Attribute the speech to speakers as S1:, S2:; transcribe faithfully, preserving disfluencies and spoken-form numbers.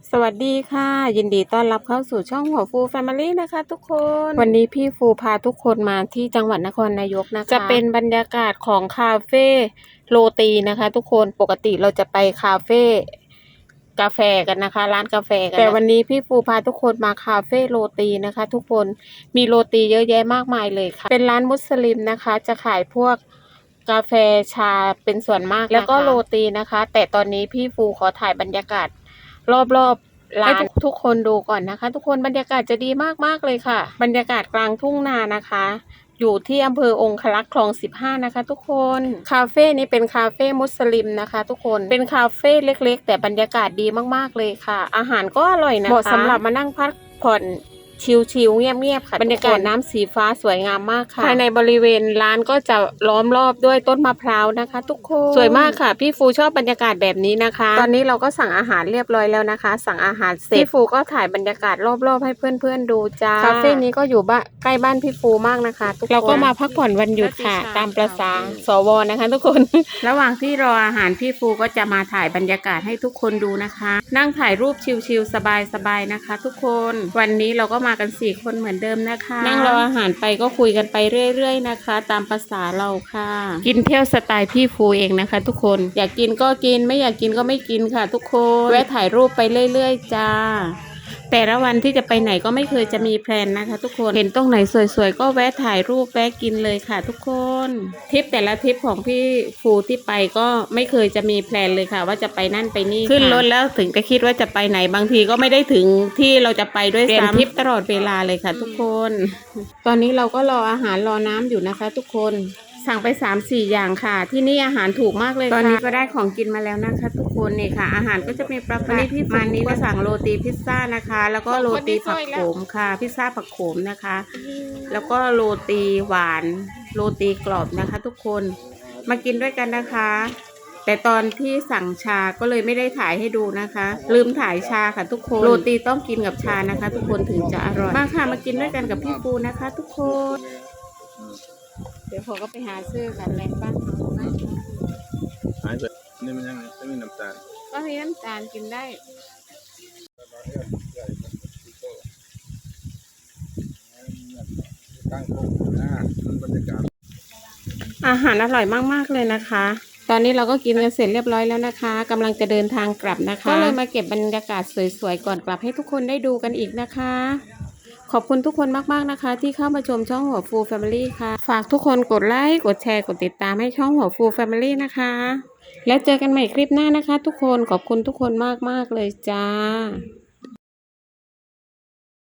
S1: สวัสดีค่ะยินดีต้อนรับเข้าสู่ช่องหัวฟูแฟมิลี่นะคะทุกคนวันนี้พี่ฟูพาทุกคนมาที่จังหวัดนครนายกนะคะจะเป็นบรรยากาศของคาเฟ่โรตีนะคะทุกคนปกติเราจะไปคาเฟ่กาแฟกันนะคะร้านกาแฟกันแต่วันนี้พี่ฟูพาทุกคนมาคาเฟ่โรตีนะคะทุกคนมีโรตีเยอะแยะมากมายเลยค่ะเป็นร้านมุสลิมนะคะจะขายพวกกาแฟชาเป็นส่วนมากแล้วก็โรตีนะคะแต่ตอนนี้พี่ฟูขอถ่ายบรรยากาศรอบๆร้านทุกคนดูก่อนนะคะทุกคนบรรยากาศจะดีมากๆเลยค่ะบรรยากาศกลางทุ่งนานะคะอยู่ที่อำเภอองครักษ์คลองสิบห้านะคะทุกคนคาเฟ่นี้เป็นคาเฟ่มุสลิมนะคะทุกคนเป็นคาเฟ่เล็กๆแต่บรรยากาศดีมากๆเลยค่ะอาหารก็อร่อยนะคะเหมาะสำหรับมานั่งพักผ่อนชิลๆเงียบๆค่ะบรรยากาศน้ำสีฟ้าสวยงามมากค่ะภายในบริเวณร้านก็จะล้อมรอบด้วยต้นมะพร้าวนะคะทุกคนสวยมากค่ะพี่ฟูชอบบรรยากาศแบบนี้นะคะตอนนี้เราก็สั่งอาหารเรียบร้อยแล้วนะคะสั่งอาหารเสร็จพี่ฟูก็ถ่ายบรรยากาศรอบๆให้เพื่อนๆดูจ้าคาเฟ่นี้ก็อยู่บ้านใกล้บ้านพี่ฟูมากนะคะทุกคนเราก็มาพักผ่อนวันหยุดค่ะตามประสาสวนะคะทุกคนระหว่างที่รออาหารพี่ฟูก็จะมาถ่ายบรรยากาศให้ทุกคนดูนะคะนั่งถ่ายรูปชิลๆสบายๆนะคะทุกคนวันนี้เราก็มากันสี่คนเหมือนเดิมนะคะนั่งรออาหารไปก็คุยกันไปเรื่อยๆนะคะตามภาษาเราค่ะกินเที่ยวสไตล์พี่ฟูเองนะคะทุกคนอยากกินก็กินไม่อยากกินก็ไม่กินค่ะทุกคนแวะถ่ายรูปไปเรื่อยๆจ้าแต่ละวันที่จะไปไหนก็ไม่เคยจะมีแพลนนะคะทุกคนเห็นตรงไหนสวยๆก็แวะถ่ายรูปแวะกินเลยค่ะทุกคนทริปแต่ละทริปของพี่ฟูที่ไปก็ไม่เคยจะมีแพลนเลยค่ะว่าจะไปนั่นไปนี่ขึ้นรถแล้วถึงจะคิดว่าจะไปไหนบางทีก็ไม่ได้ถึงที่เราจะไปด้วยซ้ำเปลี่ยนทริปตลอดเวลาเลยค่ะทุกคนตอนนี้เราก็รออาหารรอน้ำอยู่นะคะทุกคนสั่งไป สามสี่ อย่างค่ะที่นี่อาหารถูกมากเลยค่ะตอนนี้ก็ได้ของกินมาแล้วนะคะทุกคนนี่ค่ะอาหารก็จะมีประมาณนี้มานี้ก็สั่งโรตีพิซซ่านะคะแล้วก็โรตีผักโขมค่ะพิซซ่าผักโขมนะคะแล้วก็โรตีหวานโรตีกรอบนะคะทุกคนมากินด้วยกันนะคะแต่ตอนที่สั่งชาก็เลยไม่ได้ถ่ายให้ดูนะคะลืมถ่ายชาค่ะทุกคนโรตีต้องกินกับชานะคะทุกคนถึงจะอร่อยมาค่ะมากินด้วยกันกับพี่ปูนะคะทุกคนเดี๋ยวพอก็ไปหาซื้อกันแรงบ้านเขาไหม
S2: หายไปนี่มันยังไงไม่มีน้ำตาล
S1: ก็มีน้ำตาลกินได้
S2: ตั้งโต๊ะหน้าบรรยากาศ
S1: อาหารอร่อยมากๆเลยนะคะตอนนี้เราก็กินกันเสร็จเรียบร้อยแล้วนะคะกำลังจะเดินทางกลับนะคะก็เลยมาเก็บบรรยากาศสวยๆก่อนกลับให้ทุกคนได้ดูกันอีกนะคะขอบคุณทุกคนมากๆนะคะที่เข้ามาชมช่องหัวฟูแฟมิลี่ค่ะฝากทุกคนกดไลค์กดแชร์กดติดตามให้ช่องหัวฟูแฟมิลี่นะคะแล้วเจอกันใหม่คลิปหน้านะคะทุกคนขอบคุณทุกคนมากๆเลยจ้า